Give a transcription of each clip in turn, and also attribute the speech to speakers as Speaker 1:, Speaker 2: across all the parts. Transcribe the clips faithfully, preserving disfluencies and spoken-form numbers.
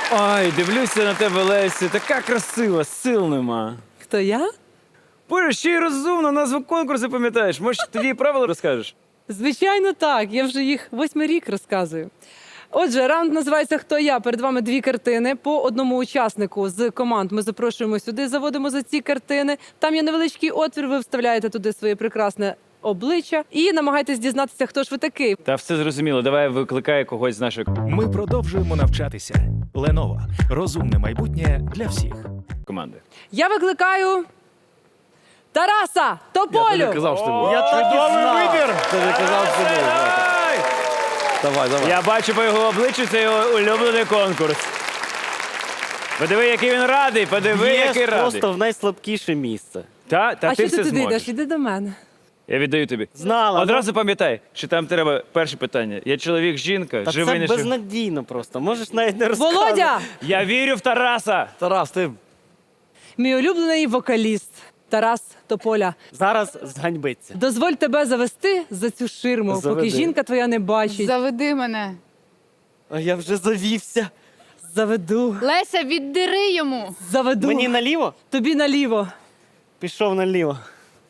Speaker 1: Ой, дивлюся на тебе, Леся, така красива, сил нема.
Speaker 2: Хто я?
Speaker 1: Боже, ще й розумно, назву конкурсу пам'ятаєш. Може, тоді і правила розкажеш?
Speaker 2: Звичайно, так. Я вже їх восьмий рік розказую. Отже, раунд називається «Хто я?». Перед вами дві картини. По одному учаснику з команд ми запрошуємо сюди, заводимо за ці картини. Там є невеличкий отвір, ви вставляєте туди своє прекрасне обличчя і намагаєтесь дізнатися, хто ж ви такий.
Speaker 1: Та все зрозуміло, давай викликай когось з нашої
Speaker 3: Ми продовжуємо навчатися. Lenovo. Розумне майбутнє для всіх.
Speaker 1: команди.
Speaker 2: Я викликаю Тараса Тополю.
Speaker 1: що ти був.
Speaker 4: Я так і знав.
Speaker 1: Ти не казав, що ти був.
Speaker 4: Давай, давай.
Speaker 1: Я бачу по його обличчю, це його улюблений конкурс. Подиви, який він радий, подиви,
Speaker 4: Є
Speaker 1: який радий.
Speaker 4: просто в найслабкіше місце.
Speaker 1: Та, та
Speaker 2: А
Speaker 1: ти
Speaker 2: що ти
Speaker 1: все
Speaker 2: туди йдеш?
Speaker 1: зможеш.
Speaker 2: Іди до мене.
Speaker 1: Я віддаю тобі.
Speaker 4: Знала.
Speaker 1: Одразу пам'ятай, що там треба перше питання. Я чоловік, жінка,
Speaker 4: Та
Speaker 1: живий,
Speaker 4: це
Speaker 1: не живий.
Speaker 4: безнадійно просто. Можеш навіть не розказувати.
Speaker 2: Володя!
Speaker 1: Я вірю в Тараса.
Speaker 4: Тарас, ти
Speaker 2: Мій улюблений вокаліст Тарас Тополя.
Speaker 4: зараз зганьбиться.
Speaker 2: Дозволь тебе завести за цю ширму, поки
Speaker 4: Заведи.
Speaker 2: жінка твоя не бачить.
Speaker 5: Заведи мене.
Speaker 4: А я вже завівся.
Speaker 2: Заведу.
Speaker 5: Леся, віддири йому.
Speaker 2: Заведу.
Speaker 4: Мені наліво?
Speaker 2: Тобі наліво.
Speaker 4: Пішов наліво.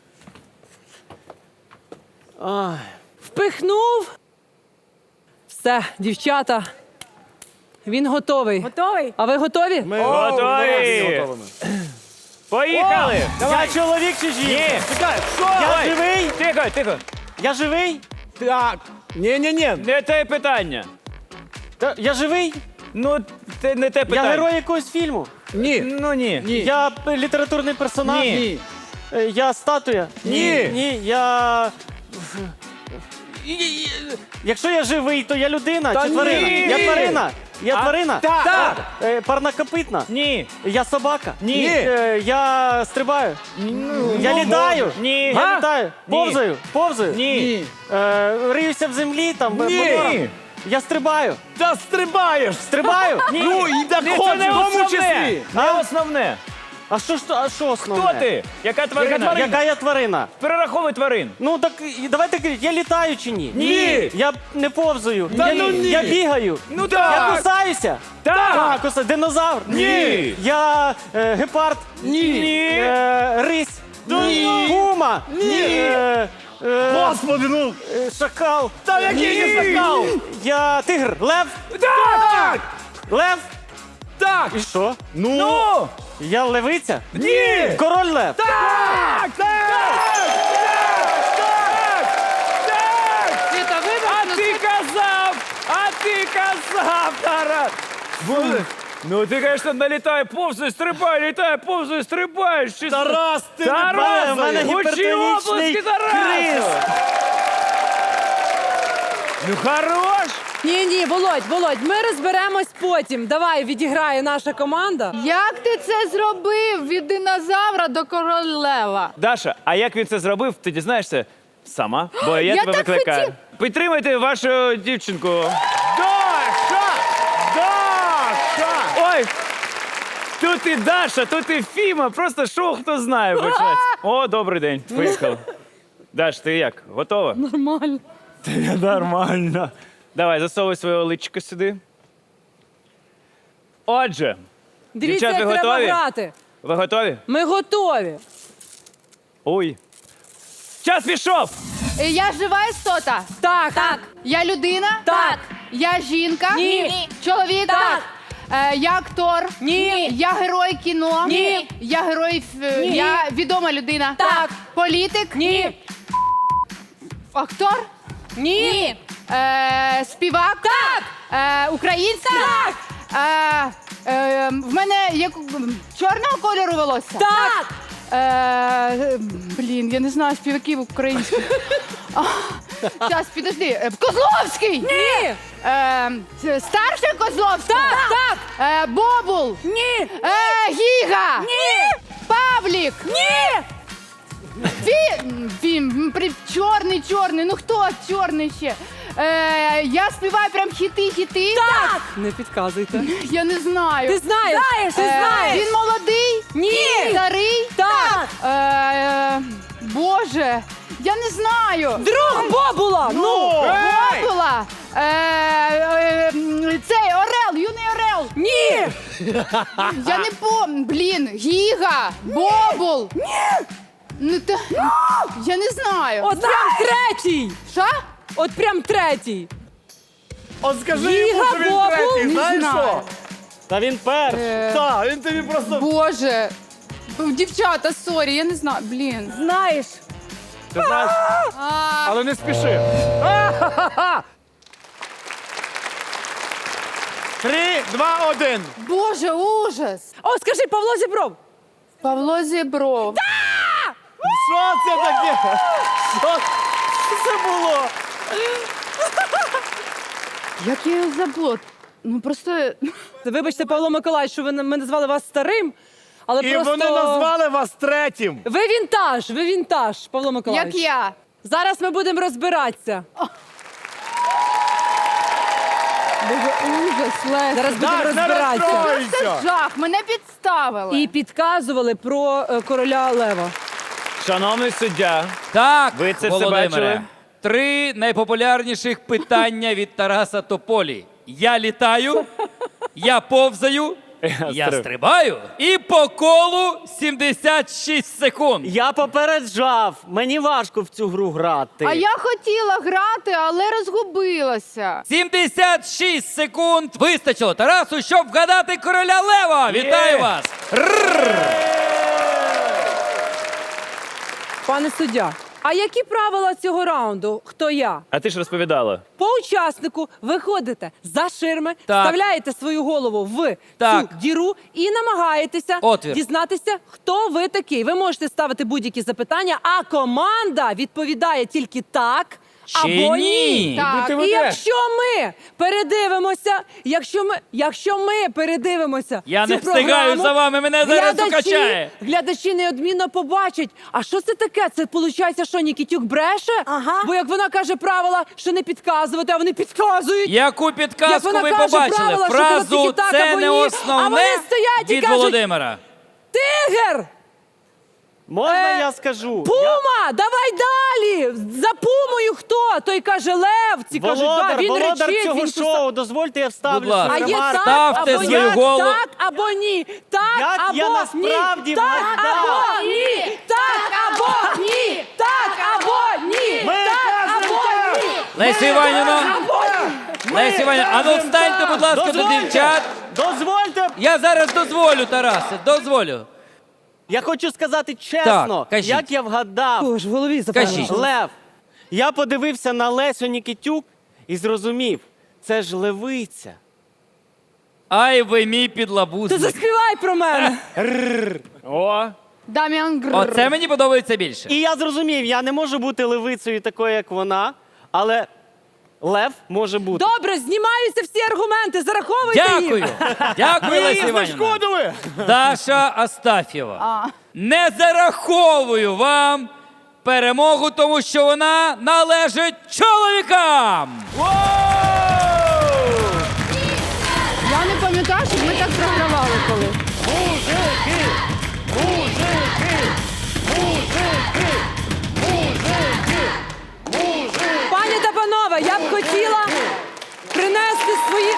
Speaker 4: Ай.
Speaker 2: Впихнув. Все, дівчата. Він готовий.
Speaker 5: Готовий?
Speaker 2: А ви готові?
Speaker 4: Ми
Speaker 1: Готові. Поїхали!
Speaker 4: Я чоловік чи жінка?
Speaker 1: Ні.
Speaker 4: Чекай, я
Speaker 1: Ой.
Speaker 4: живий?
Speaker 1: Тихо, тихо.
Speaker 4: Я живий?
Speaker 6: Так. Ні-ні-ні.
Speaker 1: Не те питання.
Speaker 4: Та- Я живий?
Speaker 1: Ну, це не те
Speaker 4: Я
Speaker 1: питання.
Speaker 4: герой якогось фільму?
Speaker 6: Ні.
Speaker 1: Ну ні.
Speaker 6: Ні.
Speaker 4: Я п- літературний персонаж?
Speaker 1: Ні.
Speaker 4: Е, Я статуя?
Speaker 6: Ні.
Speaker 4: Ні, я... Якщо я живий, то я людина
Speaker 6: Та
Speaker 4: чи тварина?
Speaker 6: ні.
Speaker 4: Я тварина. Я
Speaker 1: А,
Speaker 4: тварина?
Speaker 6: так.
Speaker 4: Так. Е, Парнокопитна?
Speaker 1: Ні.
Speaker 4: Я собака?
Speaker 1: Ні.
Speaker 4: Е, Я стрибаю? Я літаю?
Speaker 1: Ні.
Speaker 4: Я
Speaker 1: А?
Speaker 4: літаю?
Speaker 1: Ні.
Speaker 4: Повзаю? Повзаю?
Speaker 1: Ні.
Speaker 4: Е, Риюся в землі там? в
Speaker 6: Ні.
Speaker 4: моторах? Я стрибаю?
Speaker 6: Та стрибаєш.
Speaker 4: Стрибаю?
Speaker 1: Ні.
Speaker 6: Ну, і так
Speaker 1: Ні, це
Speaker 6: хоч,
Speaker 1: не
Speaker 6: в тому
Speaker 1: основне.
Speaker 6: числі.
Speaker 1: Не
Speaker 4: А?
Speaker 1: основне.
Speaker 4: А що ж то- а що основне?
Speaker 1: Хто ти? Яка тварина?
Speaker 6: тварина?
Speaker 4: Яка я тварина?
Speaker 1: Перераховуй тварин.
Speaker 4: Ну так і давайте кажіть, я літаю чи ні?
Speaker 6: Ні.
Speaker 4: Я не повзаю.
Speaker 6: Та
Speaker 4: я,
Speaker 6: ну ні.
Speaker 4: я бігаю.
Speaker 1: Ну
Speaker 4: Я
Speaker 1: так.
Speaker 4: кусаюся.
Speaker 1: Так.
Speaker 4: Так, кусаю. Динозавр.
Speaker 1: Ні.
Speaker 4: Я е, гепард.
Speaker 1: Ні.
Speaker 4: Е, рись.
Speaker 6: Ні.
Speaker 4: Пума.
Speaker 6: Ні.
Speaker 4: Е, е,
Speaker 6: Господи, ну.
Speaker 4: е, шакал.
Speaker 6: Та який
Speaker 1: Ні.
Speaker 6: не скакав.
Speaker 4: Я тигр. Лев.
Speaker 6: Так.
Speaker 4: Лев.
Speaker 6: Так.
Speaker 4: І що?
Speaker 6: Ну.
Speaker 1: Ну!
Speaker 4: Я левиця?
Speaker 6: Ні.
Speaker 4: Король лев.
Speaker 6: Так.
Speaker 5: Світа, вибач,
Speaker 1: А
Speaker 5: ну
Speaker 1: ти
Speaker 5: це-
Speaker 1: казав! А ти казав, Тарас! Ну ти, звісно, налітає, повзує, стрибає, літає, повзує, стрибаєш. Чи...
Speaker 6: Тарас, ти не
Speaker 1: Тарас,
Speaker 4: в мене
Speaker 1: гучні
Speaker 4: гіпертонічний
Speaker 1: оплески Тарасу!
Speaker 4: криз.
Speaker 1: Ну хорош!
Speaker 2: Ні, ні, Володь, Володь, ми розберемось потім. Давай, відіграє наша команда.
Speaker 5: Як ти це зробив від динозавра до королева?
Speaker 1: Даша, а як він це зробив, ти дізнаєшся сама, бо я,
Speaker 5: Я
Speaker 1: тебе
Speaker 5: так
Speaker 1: викликаю.
Speaker 5: хотів-
Speaker 1: Підтримайте вашу дівчинку. Даша! Даша! Ой! Тут і Даша, тут і Фіма, просто шоу хто знає почнеться. О, добрий день, поїхали. Даш, ти як, готова?
Speaker 2: Нормально.
Speaker 1: Ти нормально. Давай, засовуй своє личко сюди. Отже,
Speaker 2: Дивіться,
Speaker 1: Дівчат,
Speaker 2: як
Speaker 1: ви
Speaker 2: треба
Speaker 1: готові?
Speaker 2: грати.
Speaker 1: ви готові?
Speaker 2: Ми готові.
Speaker 1: Ой. Час пішов!
Speaker 5: Е, Я жива істота?
Speaker 2: Так.
Speaker 5: Так. Я людина?
Speaker 2: Так.
Speaker 5: Я жінка?
Speaker 2: Ні.
Speaker 5: Чоловік?
Speaker 2: Так.
Speaker 5: Е, я актор?
Speaker 2: Ні.
Speaker 5: Я герой кіно?
Speaker 2: Ні.
Speaker 5: Я герой... ф-
Speaker 2: Ні.
Speaker 5: Я відома людина?
Speaker 2: Так.
Speaker 5: Політик?
Speaker 2: Ні.
Speaker 5: Актор?
Speaker 2: Ні.
Speaker 5: Е, співак?
Speaker 2: Так.
Speaker 5: Е, український?
Speaker 2: Так.
Speaker 5: Е, е, в мене як чорного кольору волосся?
Speaker 2: Так.
Speaker 5: Е, блін, я не знаю співаків українських. Зараз, підожди. Е, Козловський!
Speaker 2: Ні.
Speaker 5: Е, старший Козловський?
Speaker 2: Так. Так.
Speaker 5: Е, Бобул?
Speaker 2: Ні.
Speaker 5: Е, Гіга?
Speaker 2: Ні.
Speaker 5: Павлік?
Speaker 2: Ні.
Speaker 5: Фі... Фім, при... чорний, чорний, ну хто чорний ще? Е, я співаю прям хіти-хіти.
Speaker 2: Так. Не підказуйте.
Speaker 5: Я не знаю.
Speaker 2: Ти знаєш. Знаєш, ти
Speaker 5: Е,
Speaker 2: знаєш.
Speaker 5: Він молодий?
Speaker 2: Ні.
Speaker 5: Старий?
Speaker 2: Так.
Speaker 5: Е, Боже, я не знаю.
Speaker 2: Друг Бобула. Ну.
Speaker 5: Бобула. Е, е, цей Орел, юний Орел.
Speaker 2: Ні.
Speaker 5: Я не помню. Блін, Гіга, Бобул. Ні! Ну, та... Я не знаю.
Speaker 2: От прям третій!
Speaker 5: Що?
Speaker 2: От прям третій!
Speaker 6: От скажи йому,
Speaker 2: Віга
Speaker 6: що він
Speaker 2: Бобул?
Speaker 6: третій,
Speaker 5: Не
Speaker 6: знаєш
Speaker 5: знаю.
Speaker 6: що?
Speaker 4: Та він перший.
Speaker 5: Е,
Speaker 6: Так, він тобі просто...
Speaker 5: Боже. Дівчата, сорі, я не знаю. Блін.
Speaker 2: Знаєш,
Speaker 6: Ти знаєш,
Speaker 5: А,
Speaker 6: але не спіши. Три, два, один.
Speaker 5: Боже, ужас.
Speaker 2: о, скажи, Павло Зібров!
Speaker 5: Павло Зібров.
Speaker 6: Що це таке? Що це було?
Speaker 5: Як я його забула? Ну просто.
Speaker 2: Вибачте, Павло Миколаївич, що ви ми назвали вас старим, але
Speaker 6: І
Speaker 2: просто...
Speaker 6: вони назвали вас третім.
Speaker 2: Ви вінтаж, ви вінтаж, Павло Миколаївич.
Speaker 5: Як я.
Speaker 2: Зараз ми будемо розбиратися.
Speaker 5: Боже, ужас, Леся.
Speaker 2: Зараз будемо
Speaker 6: Так, не
Speaker 2: розбиратися.
Speaker 6: розстройся.
Speaker 5: Жах, мене підставили.
Speaker 2: І підказували про е, короля Лева.
Speaker 1: Шановний суддя,
Speaker 7: Так,
Speaker 1: Ви це все
Speaker 7: Володимире.
Speaker 1: бачили?
Speaker 7: Три найпопулярніших питання від Тараса Тополі. Я літаю, я повзаю, я
Speaker 1: стриб-
Speaker 7: стрибаю і по колу сімдесят шість секунд.
Speaker 4: Я попереджав, мені важко в цю гру грати.
Speaker 5: А я хотіла грати, але розгубилася.
Speaker 7: сімдесят шість секунд вистачило Тарасу, щоб вгадати короля Лева. Вітаю вас!
Speaker 2: Пане суддя, а які правила цього раунду? Хто я?
Speaker 1: а ти ж розповідала.
Speaker 2: По учаснику виходите за ширми,
Speaker 7: Так.
Speaker 2: вставляєте свою голову в
Speaker 7: Так.
Speaker 2: цю діру і намагаєтеся
Speaker 7: Отвір.
Speaker 2: дізнатися, хто ви такий. Ви можете ставити будь-які запитання, а команда відповідає тільки так
Speaker 7: Чи
Speaker 2: або
Speaker 7: ні?
Speaker 5: Так.
Speaker 6: Ти
Speaker 2: І
Speaker 6: ведеш.
Speaker 2: якщо ми передивимося, якщо ми, якщо ми передивимося,
Speaker 7: Я
Speaker 2: цю
Speaker 7: не встигаю
Speaker 2: програму,
Speaker 7: за вами, мене зараз
Speaker 2: глядачі-
Speaker 7: укачає.
Speaker 2: Глядачі неодмінно побачать. А що це таке? Це виходить, що Нікітюк бреше?
Speaker 8: Ага.
Speaker 2: Бо як вона каже правила, що не підказувати, а вони підказують.
Speaker 7: Яку
Speaker 2: Як
Speaker 7: підказку
Speaker 2: вона
Speaker 7: ви
Speaker 2: каже
Speaker 7: побачили?
Speaker 2: правила, що було
Speaker 7: Фразу
Speaker 2: тільки так
Speaker 7: «це
Speaker 2: або
Speaker 7: не
Speaker 2: ні», а
Speaker 7: основне»
Speaker 2: вони стоять і
Speaker 7: від
Speaker 2: кажуть,
Speaker 7: Володимира.
Speaker 2: Тигр!
Speaker 4: Можна
Speaker 2: Е,
Speaker 4: я скажу?
Speaker 2: Пума! Давай далі! За пумою хто? Той каже лев, ці
Speaker 4: Я...
Speaker 2: кажуть, да,
Speaker 4: Володар,
Speaker 2: він
Speaker 4: володар
Speaker 2: речить,
Speaker 4: цього
Speaker 2: він кусає.
Speaker 4: шоу, дозвольте я вставлю
Speaker 7: Будь ласка.
Speaker 2: А
Speaker 4: свою
Speaker 2: є
Speaker 4: ремарку.
Speaker 2: так,
Speaker 7: Ставте
Speaker 2: або
Speaker 7: свою
Speaker 2: ні,
Speaker 7: голову.
Speaker 2: так, або ні, так,
Speaker 4: Як
Speaker 2: або
Speaker 4: я насправді
Speaker 2: ні, так,
Speaker 4: вгадав.
Speaker 2: або ні, так, або ні, так, або ні,
Speaker 6: Ми
Speaker 2: так,
Speaker 6: кажемо
Speaker 2: або
Speaker 6: так.
Speaker 2: ні,
Speaker 7: Леся Іванівна,
Speaker 2: або ні.
Speaker 7: Леся Іванівна, а ну встаньте, будь ласка, до
Speaker 4: Дозвольте.
Speaker 7: дівчат.
Speaker 4: Дозвольте,
Speaker 7: Я зараз дозволю, Тарасе, дозволю.
Speaker 4: я хочу сказати чесно,
Speaker 7: Так, кажіть.
Speaker 4: як я вгадав.
Speaker 2: Ой, ж в голові
Speaker 7: Кажіть.
Speaker 2: запевнено.
Speaker 4: Лев. Я подивився на Лесю Нікітюк і зрозумів, це ж левиця.
Speaker 7: Ай, ви мій
Speaker 2: Ти
Speaker 7: підлабузник.
Speaker 2: заспівай про мене.
Speaker 1: О,
Speaker 5: Дам'ян Гр.
Speaker 7: Оце мені подобається більше.
Speaker 4: І я зрозумів, я не можу бути левицею такою, як вона, але лев може бути.
Speaker 2: Добре, знімаються всі аргументи, зараховуйте
Speaker 7: Дякую.
Speaker 2: їх.
Speaker 7: Дякую, Леся
Speaker 6: Їй
Speaker 7: Іванівна.
Speaker 6: зашкодили.
Speaker 7: Даша Астафєва.
Speaker 5: А.
Speaker 7: Не зараховую вам перемогу, тому що вона належить чоловікам.
Speaker 5: Я не пам'ятаю, щоб ми так програвали колись.
Speaker 6: Мужики! Мужики! Мужики! Мужики! Мужики!
Speaker 2: Пані та панове, я б хотіла принести свої...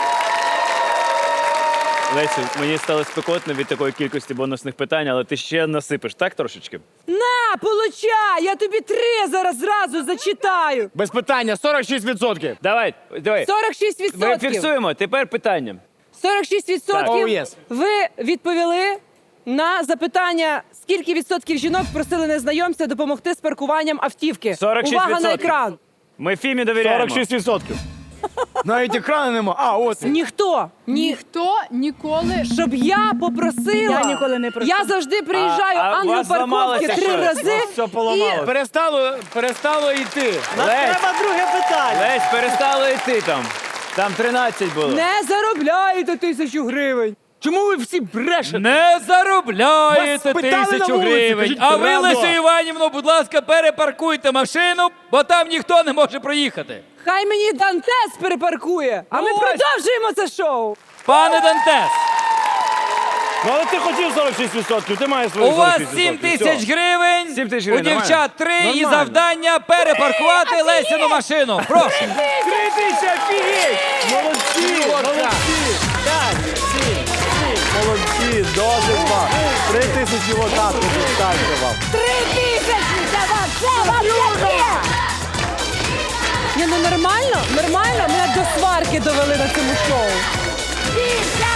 Speaker 1: Лесю, мені стало спекотно від такої кількості бонусних питань, але ти ще насипеш, так трошечки?
Speaker 2: На, получай! Я тобі три зараз зразу зачитаю.
Speaker 6: Без питання, сорок шість відсотків.
Speaker 1: Давай, давай.
Speaker 2: сорок шість
Speaker 1: Ми
Speaker 2: відсотків.
Speaker 1: фіксуємо. Тепер питання.
Speaker 2: сорок шість
Speaker 1: Так.
Speaker 2: відсотків
Speaker 6: Oh, yes.
Speaker 2: ви відповіли на запитання, скільки відсотків жінок просили незнайомця допомогти з паркуванням автівки.
Speaker 1: сорок шість
Speaker 2: Увага на
Speaker 1: відсотків.
Speaker 2: екран.
Speaker 1: Ми Фімі довіряємо.
Speaker 6: сорок шість відсотків. Навіть екрану нема. А, ось. він.
Speaker 2: Ніхто, ні,
Speaker 5: Ніхто ніколи.
Speaker 2: щоб я попросила.
Speaker 8: Я ніколи не просила.
Speaker 2: Я завжди приїжджаю
Speaker 1: А- а у вас
Speaker 2: ангел-парковки
Speaker 1: зламалося
Speaker 2: три
Speaker 1: щось?
Speaker 2: рази.
Speaker 6: Ось все поламалось.
Speaker 2: І
Speaker 6: Перестало, перестало йти.
Speaker 4: Нам
Speaker 1: Лесь.
Speaker 4: треба друге питання.
Speaker 1: Лесь, перестало йти там. Там тринадцять було.
Speaker 2: не заробляєте тисячу гривень.
Speaker 6: Чому ви всі брешете?
Speaker 7: Не заробляєте
Speaker 6: Вас питали на
Speaker 7: тисячу
Speaker 6: вулиці,
Speaker 7: гривень.
Speaker 6: кажіть
Speaker 7: А ви,
Speaker 6: правду.
Speaker 7: Лесю Іванівну, будь ласка, перепаркуйте машину, бо там ніхто не може проїхати.
Speaker 2: Хай мені Дантес перепаркує, а ми
Speaker 1: Ось.
Speaker 2: продовжуємо це шоу.
Speaker 7: Пане Дантес,
Speaker 6: Ну, але ти хотів сорок шість відсотків, ти маєш свої
Speaker 7: у вас
Speaker 6: сорок шість
Speaker 7: сім
Speaker 6: відсотків.
Speaker 7: тисяч
Speaker 6: Все.
Speaker 7: гривень,
Speaker 1: Сім тисяч
Speaker 7: у
Speaker 1: гривень,
Speaker 7: дівчат три і
Speaker 6: Нормально.
Speaker 7: завдання перепаркувати Лесіну машину. Прошу.
Speaker 1: Три тисячі, офігеть!
Speaker 6: Молодці, молодці.
Speaker 4: П'ять, сім, сім.
Speaker 6: тисячі отак уже ставте вам.
Speaker 8: Три тисячі для вас! Це вам таке!
Speaker 2: Ні, ну нормально, нормально. Мене до сварки довели на цьому шоу.
Speaker 8: Більше!